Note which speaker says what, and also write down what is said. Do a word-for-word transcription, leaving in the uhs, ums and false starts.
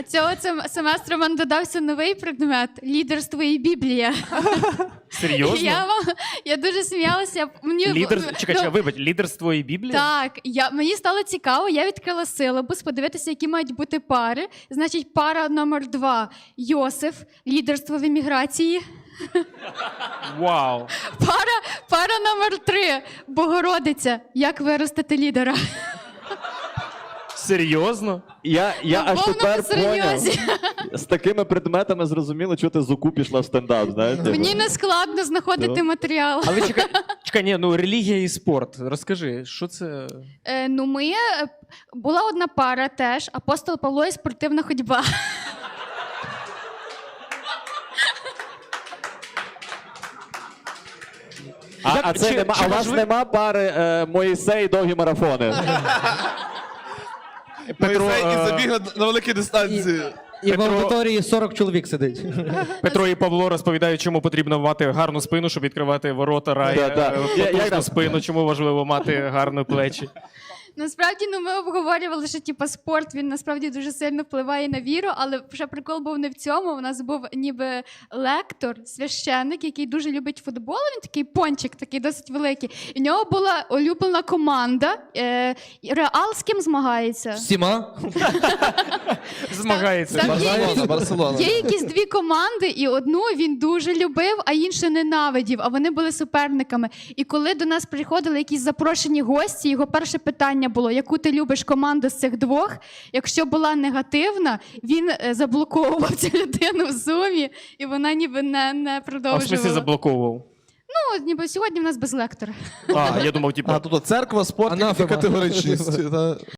Speaker 1: Цього цим семестру в мене додався новий предмет – лідерство і Біблія.
Speaker 2: Серйозно?
Speaker 1: Я, вам- я дуже сміялася. Мені,
Speaker 2: Лідер...
Speaker 1: ну,
Speaker 2: Чекай, чекай, вибач, лідерство і Біблія?
Speaker 1: Так, я, мені стало цікаво, я відкрила силабус, подивитися, які мають бути пари. Значить, пара номер два – Йосиф, лідерство в еміграції.
Speaker 2: Вау.
Speaker 1: Пара, пара номер три – Богородиця, як виростити лідера.
Speaker 2: Серйозно?
Speaker 3: Я, я
Speaker 1: На
Speaker 3: аж
Speaker 1: повному
Speaker 3: тепер
Speaker 1: серйозі.
Speaker 3: поняв. З такими предметами зрозуміло, чого ти з УКУ пішла в стендап, знаєте?
Speaker 1: Мені не складно знаходити
Speaker 3: Ну.
Speaker 1: матеріал.
Speaker 2: Але чекай, чекай, ні, ну релігія і спорт. Розкажи, що це?
Speaker 1: Е, ну, ми... е, Була одна пара теж, апостол Павло і спортивна ходьба.
Speaker 3: А,
Speaker 2: Як-
Speaker 3: а, це
Speaker 2: чи-
Speaker 3: нема,
Speaker 2: чи
Speaker 3: а у вас
Speaker 2: можливо-
Speaker 3: нема пари е, Моїсей довгі марафони?
Speaker 2: Петро,
Speaker 4: Моїсей і
Speaker 2: е,
Speaker 4: забіг на, на великі дистанції.
Speaker 5: І в
Speaker 2: Петро-
Speaker 5: аудиторії сорок чоловік сидить.
Speaker 2: Петро і Павло розповідають, чому потрібно мати гарну спину, щоб відкривати ворота раю,
Speaker 3: Да, да.
Speaker 2: е,
Speaker 3: Я- я-
Speaker 2: потужну спину, чому важливо мати гарні плечі.
Speaker 1: Насправді, ну, ми обговорювали, що типу, спорт він насправді дуже сильно впливає на віру, але ще прикол був не в цьому. У нас був ніби лектор, священник, який дуже любить футбол. Він такий пончик, такий досить великий. І в нього була улюблена команда. Е, Реал з ким змагається?
Speaker 5: Всіма?
Speaker 2: Змагається.
Speaker 1: Там є
Speaker 4: Барселона,
Speaker 1: якісь-
Speaker 4: Барселона.
Speaker 1: Є якісь дві команди, і одну він дуже любив, а іншу ненавидів, а вони були суперниками. І коли до нас приходили якісь запрошені гості, його перше питання було, яку ти любиш команду з цих двох? Якщо була негативна, він е, заблоковував цю людину в зумі, і вона ніби не, не
Speaker 2: А в смислі
Speaker 1: продовжувала.
Speaker 2: заблоковував?
Speaker 1: Ну, ніби сьогодні в нас без лектора.
Speaker 2: А, я думав, типу,
Speaker 4: А тут церква, спорт
Speaker 5: Анафема.
Speaker 4: і категоричність. та.